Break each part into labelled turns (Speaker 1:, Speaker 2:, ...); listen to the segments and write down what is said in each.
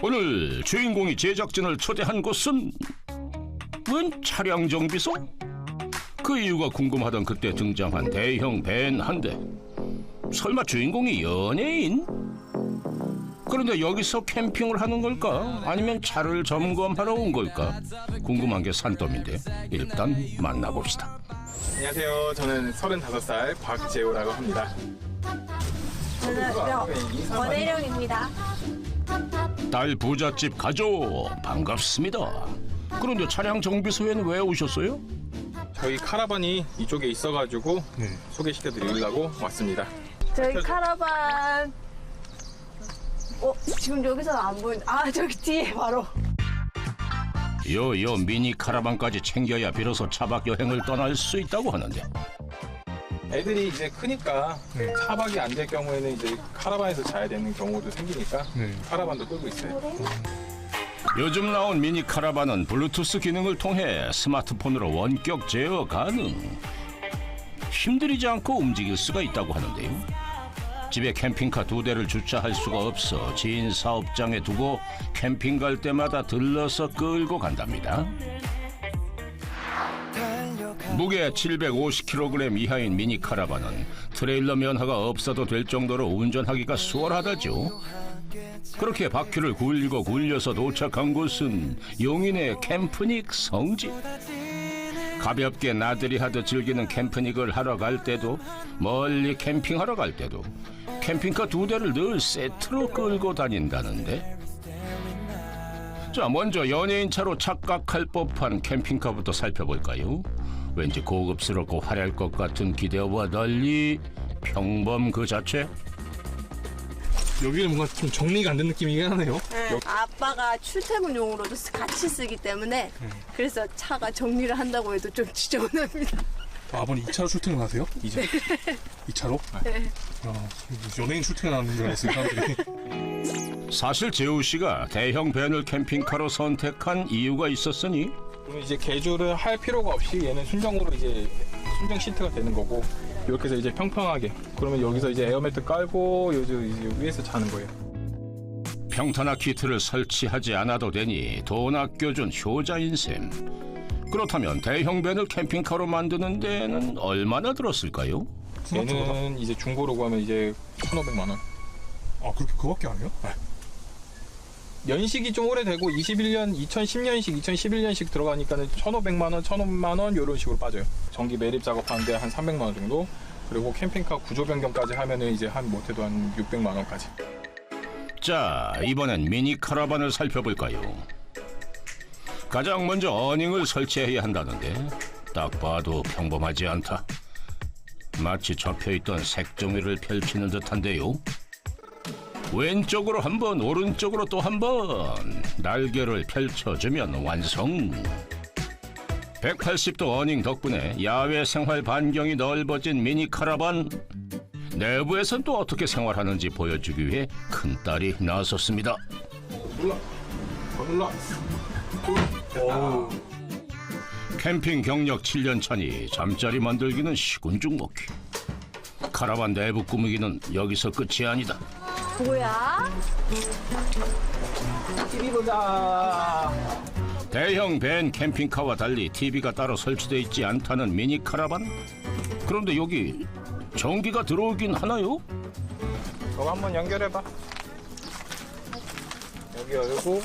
Speaker 1: 오늘 주인공이 제작진을 초대한 곳은 웬 차량 정비소? 그 이유가 궁금하던 그때 등장한 대형 밴 한 대. 설마 주인공이 연예인? 그런데 여기서 캠핑을 하는 걸까? 아니면 차를 점검하러 온 걸까? 궁금한 게 산더미인데 일단 만나봅시다.
Speaker 2: 안녕하세요. 저는 35살 박재호라고 합니다.
Speaker 3: 저는 원혜령입니다.
Speaker 1: 딸 부잣집 가족 반갑습니다. 그런데 차량 정비소에는 왜 오셨어요?
Speaker 2: 저희 카라반이 이쪽에 있어가지고 소개시켜 드리려고 왔습니다.
Speaker 3: 저희 카라반. 지금 여기서는 안 보이는데. 저기 뒤에 바로.
Speaker 1: 요 미니 카라반까지 챙겨야 비로소 차박 여행을 떠날 수 있다고 하는데
Speaker 2: 애들이 이제 크니까 차박이 안 될 경우에는 이제 카라반에서 자야 되는 경우도 생기니까 카라반도 끌고 있어요.
Speaker 1: 요즘 나온 미니 카라반은 블루투스 기능을 통해 스마트폰으로 원격 제어 가능. 힘들이지 않고 움직일 수가 있다고 하는데요. 집에 캠핑카 2대를 주차할 수가 없어 지인 사업장에 두고 캠핑 갈 때마다 들러서 끌고 간답니다. 무게 750kg 이하인 미니 카라반은 트레일러 면허가 없어도 될 정도로 운전하기가 수월하다죠. 그렇게 바퀴를 굴리고 굴려서 도착한 곳은 용인의 캠프닉 성지. 가볍게 나들이 하듯 즐기는 캠프닉을 하러 갈 때도 멀리 캠핑하러 갈 때도 캠핑카 2대를 늘 세트로 끌고 다닌다는데. 자, 먼저 연예인 차로 착각할 법한 캠핑카부터 살펴볼까요? 왠지 고급스럽고 화려할 것 같은 기대와 달리 평범 그 자체.
Speaker 4: 여기는 뭔가 좀 정리가 안 된 느낌이긴 하네요.
Speaker 3: 네. 아빠가 출퇴근용으로도 같이 쓰기 때문에 그래서 차가 정리를 한다고 해도 좀 지저분합니다.
Speaker 4: 아버님 2차로 출퇴근하세요? 이제? 2차로?
Speaker 3: 네.
Speaker 4: 연예인 출퇴근하는 줄 알았어요, 사람들이.
Speaker 1: 사실 재우 씨가 대형 밴을 캠핑카로 선택한 이유가 있었으니
Speaker 2: 그럼 이제 개조를 할 필요가 없이 얘는 순정으로 이제 순정 시트가 되는 거고 이렇게 해서 이제 평평하게 그러면 여기서 이제 에어매트 깔고 요즘 이제 위에서 자는 거예요.
Speaker 1: 평탄화 키트를 설치하지 않아도 되니 돈 아껴준 효자인 셈. 그렇다면 대형 밴을 캠핑카로 만드는 데는 얼마나 들었을까요?
Speaker 2: 얘는 이제 중고로 구하면 이제 1,500만 원.
Speaker 4: 그렇게 그거밖에 안 해요?
Speaker 2: 연식이 좀 오래되고 21년, 2010년식, 2011년식 들어가니까는 1,500만 원, 1,000만 원 이런 식으로 빠져요. 전기 매립 작업하는데 한 300만 원 정도. 그리고 캠핑카 구조 변경까지 하면은 이제 한 못해도 한 600만 원까지.
Speaker 1: 자, 이번엔 미니 카라반을 살펴볼까요? 가장 먼저 어닝을 설치해야 한다는데 딱 봐도 평범하지 않다. 마치 접혀있던 색종이를 펼치는 듯한데요. 왼쪽으로 한 번, 오른쪽으로 또 한 번 날개를 펼쳐주면 완성. 180도 어닝 덕분에 야외 생활 반경이 넓어진 미니 카라반. 내부에선 또 어떻게 생활하는지 보여주기 위해 큰딸이 나섰습니다.
Speaker 2: 올라.
Speaker 1: 캠핑 경력 7년 차니 잠자리 만들기는 시군중 먹기. 카라반 내부 꾸미기는 여기서 끝이 아니다.
Speaker 3: 뭐야?
Speaker 2: TV 보자.
Speaker 1: 대형 밴 캠핑카와 달리 TV가 따로 설치되어 있지 않다는 미니 카라반. 그런데 여기 전기가 들어오긴 하나요?
Speaker 2: 저거 한번 연결해봐. 여기 열고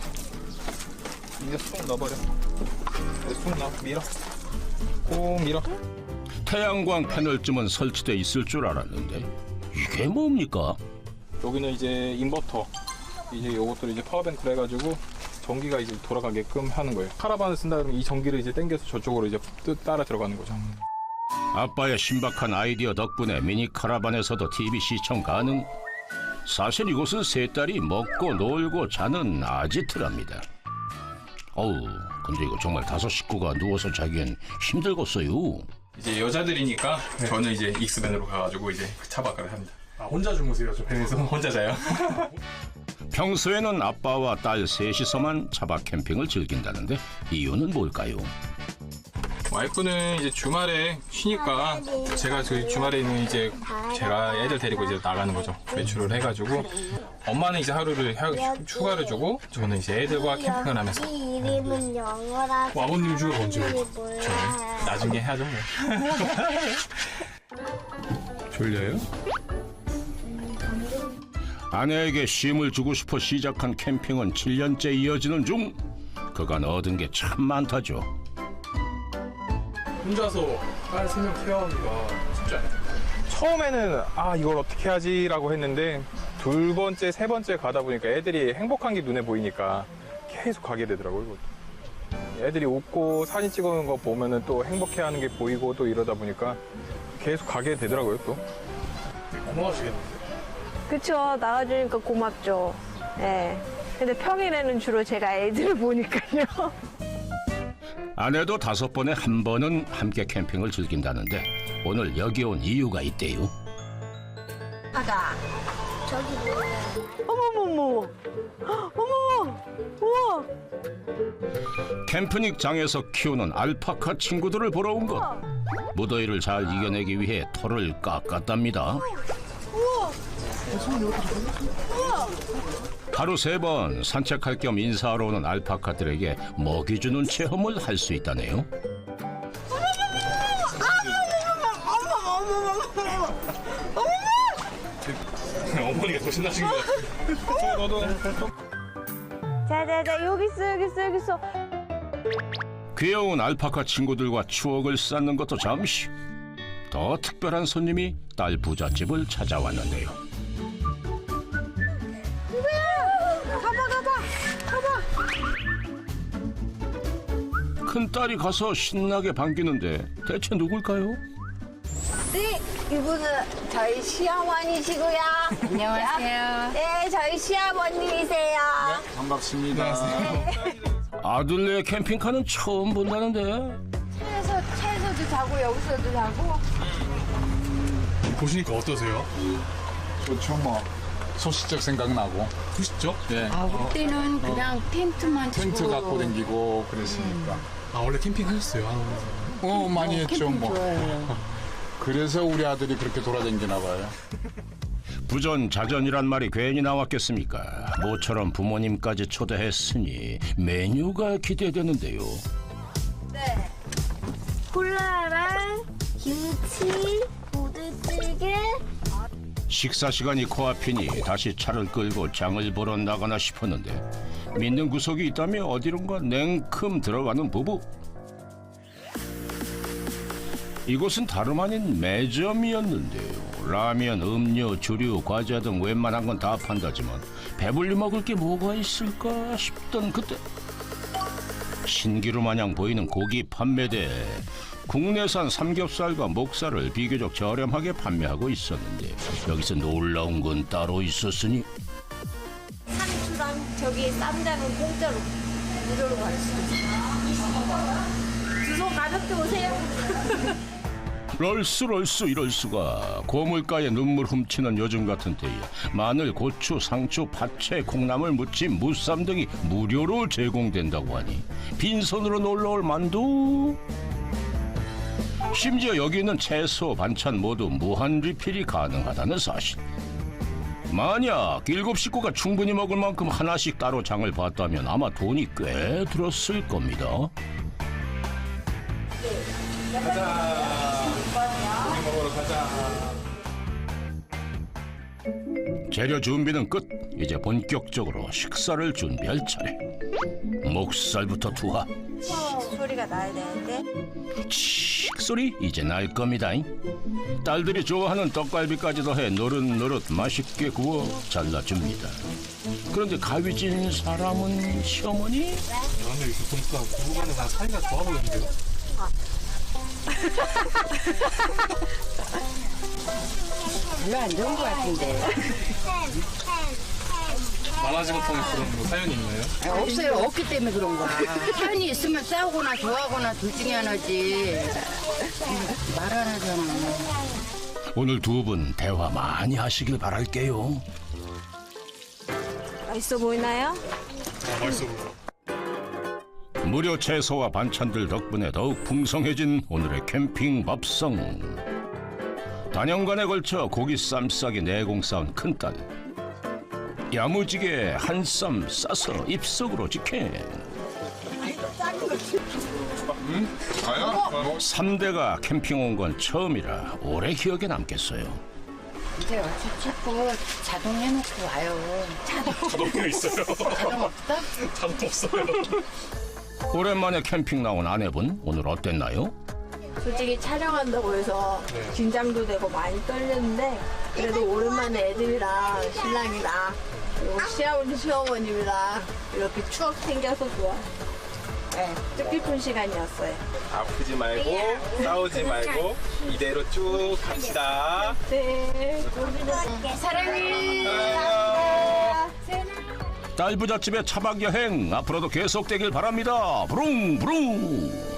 Speaker 2: 이제 쑥 넣어버려. 쑥 넣어. 밀어. 꼭 밀어.
Speaker 1: 태양광 패널쯤은 설치돼 있을 줄 알았는데 이게 뭡니까?
Speaker 2: 여기는 이제 인버터. 이제 요것도 이제 파워뱅크로 해가지고 전기가 이제 돌아가게끔 하는 거예요. 카라반을 쓴다 그러면 이 전기를 이제 당겨서 저쪽으로 이제 따라 들어가는 거죠.
Speaker 1: 아빠의 신박한 아이디어 덕분에 미니 카라반에서도 TV 시청 가능. 사실 이곳은 세 딸이 먹고 놀고 자는 아지트랍니다. 어우, 근데 이거 정말 5 식구가 누워서 자기엔 힘들겠어요.
Speaker 2: 이제 여자들이니까 저는 이제 익스밴으로 가가지고 이제 차박을 합니다.
Speaker 4: 혼자 주무세요, 저 밴에서?
Speaker 2: 혼자 자요.
Speaker 1: 평소에는 아빠와 딸 셋이서만 차박 캠핑을 즐긴다는데 이유는 뭘까요?
Speaker 2: 와이프는 이제 주말에 쉬니까 제가 그 주말에는 이제 제가 애들 데리고 이제 나가는 거죠. 외출을 해가지고 엄마는 이제 하루를 휴가를 주고 저는 이제 애들과 캠핑을 하면서
Speaker 5: 이름은 영어라.
Speaker 4: 아버님 휴가 언제예요?
Speaker 2: 나중에 해야죠 뭐.
Speaker 4: 졸려요?
Speaker 1: 아내에게 쉼을 주고 싶어 시작한 캠핑은 7년째 이어지는 중. 그간 얻은 게 참 많다죠.
Speaker 4: 혼자서 딸 3명 케어하기가 쉽지 않아요.
Speaker 2: 처음에는 이걸 어떻게 하지라고 했는데 둘 번째, 세 번째 가다 보니까 애들이 행복한 게 눈에 보이니까 계속 가게 되더라고요. 이것도. 애들이 웃고 사진 찍어놓은 거 보면은 또 행복해하는 게 보이고 또 이러다 보니까 계속 가게 되더라고요 또.
Speaker 4: 고마우시겠는데.
Speaker 3: 그쵸. 나가주니까 고맙죠. 예. 근데 평일에는 주로 제가 애들을 보니까요.
Speaker 1: 아내도 5번에 한 번은 함께 캠핑을 즐긴다는데 오늘 여기 온 이유가 있대요.
Speaker 3: 아가.
Speaker 5: 저기 뭐야?
Speaker 3: 어머머머. 어머. 우와.
Speaker 1: 캠프닉장에서 키우는 알파카 친구들을 보러 온 것. 무더위를 잘 이겨내기 위해 털을 깎았답니다. 하루 3번 산책할 겸 인사하러 오는 알파카들에게 먹이 주는 체험을 할 수 있다네요.
Speaker 4: 어머니가 더 신나신 것 같아요.
Speaker 2: 너도
Speaker 3: 자자자 여기 있어 여기 있어 여기 있어.
Speaker 1: 귀여운 알파카 친구들과 추억을 쌓는 것도 잠시. 더 특별한 손님이 딸 부잣집을 찾아왔는데요. 큰딸이 가서 신나게 반기는데 대체 누굴까요?
Speaker 3: 네, 이분은 저희 시어머니시고요.
Speaker 6: 안녕하세요.
Speaker 3: 네, 저희 시아버님이세요.
Speaker 2: 반갑습니다.
Speaker 1: 아들네 캠핑카는 처음 본다는데.
Speaker 3: 차에서도 자고 여기서도 자고.
Speaker 4: 보시니까 어떠세요?
Speaker 7: 좋죠 뭐 소시적 생각나고
Speaker 4: 보시죠?
Speaker 7: 예
Speaker 6: 아, 그때는 그냥 텐트만 치고.
Speaker 7: 텐트 갖고 다니고 그랬으니까
Speaker 4: 아, 원래 캠핑 하셨어요?
Speaker 7: 많이 했죠
Speaker 6: 캠핑
Speaker 7: 뭐
Speaker 6: 좋아해요.
Speaker 7: 그래서 우리 아들이 그렇게 돌아다니나 봐요.
Speaker 1: 부전자전이란 말이 괜히 나왔겠습니까? 모처럼 부모님까지 초대했으니 메뉴가 기대되는데요.
Speaker 3: 네.
Speaker 5: 콜라랑 김치, 부대찌개.
Speaker 1: 식사 시간이 코앞이니 다시 차를 끌고 장을 보러 나가나 싶었는데 믿는 구석이 있다며 어디론가 냉큼 들어가는 부부. 이곳은 다름 아닌 매점이었는데요. 라면, 음료, 주류, 과자 등 웬만한 건 다 판다지만 배불리 먹을 게 뭐가 있을까 싶던 그때 신기루 마냥 보이는 고기 판매대에 국내산 삼겹살과 목살을 비교적 저렴하게 판매하고 있었는데 여기서 놀라운 건 따로 있었으니
Speaker 3: 상추랑 저기 쌈장은 공짜로 무료로 받았어요. 두 손 가볍게 오세요.
Speaker 1: 럴수 이럴 수가. 고물가에 눈물 훔치는 요즘 같은 때에 마늘, 고추, 상추, 파채, 콩나물, 무침, 무쌈 등이 무료로 제공된다고 하니 빈손으로 놀러올 만두. 심지어 여기 있는 채소, 반찬 모두 무한 리필이 가능하다는 사실. 만약 7식구가 충분히 먹을 만큼 하나씩 따로 장을 봤다면 아마 돈이 꽤 들었을 겁니다. 재료 준비는 끝. 이제 본격적으로 식사를 준비할 차례. 목살부터 투하.
Speaker 3: 소리가 나야 되는데.
Speaker 1: 칙 소리 이제 날 겁니다. 딸들이 좋아하는 떡갈비까지 더해 노릇노릇 맛있게 구워 잘라줍니다. 그런데 가위진 사람은 시어머니?
Speaker 4: 근데 이렇게 보니까 부부간에 다 사이가 좋아 보이는데요?
Speaker 6: 별로 안 좋은 것 같은데.
Speaker 4: 만화지 같은 그런 뭐 사연이 있나요?
Speaker 6: 없어요. 없기 때문에 그런 거야. 사연이 있으면 싸우거나 좋아하거나 둘 중에 하나지. 말 안 하잖아.
Speaker 1: 오늘 두 분 대화 많이 하시길 바랄게요.
Speaker 3: 맛있어 보이나요?
Speaker 4: 맛있어 보여.
Speaker 1: 무료 채소와 반찬들 덕분에 더욱 풍성해진 오늘의 캠핑 밥상. 단연간에 걸쳐 고기 쌈 싸기 내공 쌓은 큰딸. 야무지게 한 쌈 싸서 입속으로 직행. 3대가 캠핑 온 건 처음이라 오래 기억에 남겠어요.
Speaker 6: 이제 어찌 자꾸 자동 해놓고 와요.
Speaker 4: 자동이 있어요.
Speaker 6: 자동 없다?
Speaker 4: 자동 없어요.
Speaker 1: 오랜만에 캠핑 나온 아내분 오늘 어땠나요?
Speaker 3: 솔직히 촬영한다고 해서 긴장도 되고 많이 떨렸는데 그래도 오랜만에 애들이랑 신랑이랑 그리고 시아버지 시어머님이랑 이렇게 추억 생겨서 좋아. 네, 뜻깊은 시간이었어요.
Speaker 2: 아프지 말고 싸우지 말고 이대로 쭉 갑시다.
Speaker 3: 네.
Speaker 6: 사랑해.
Speaker 1: 딸부잣집의 차박 여행 앞으로도 계속되길 바랍니다. 부릉 부릉.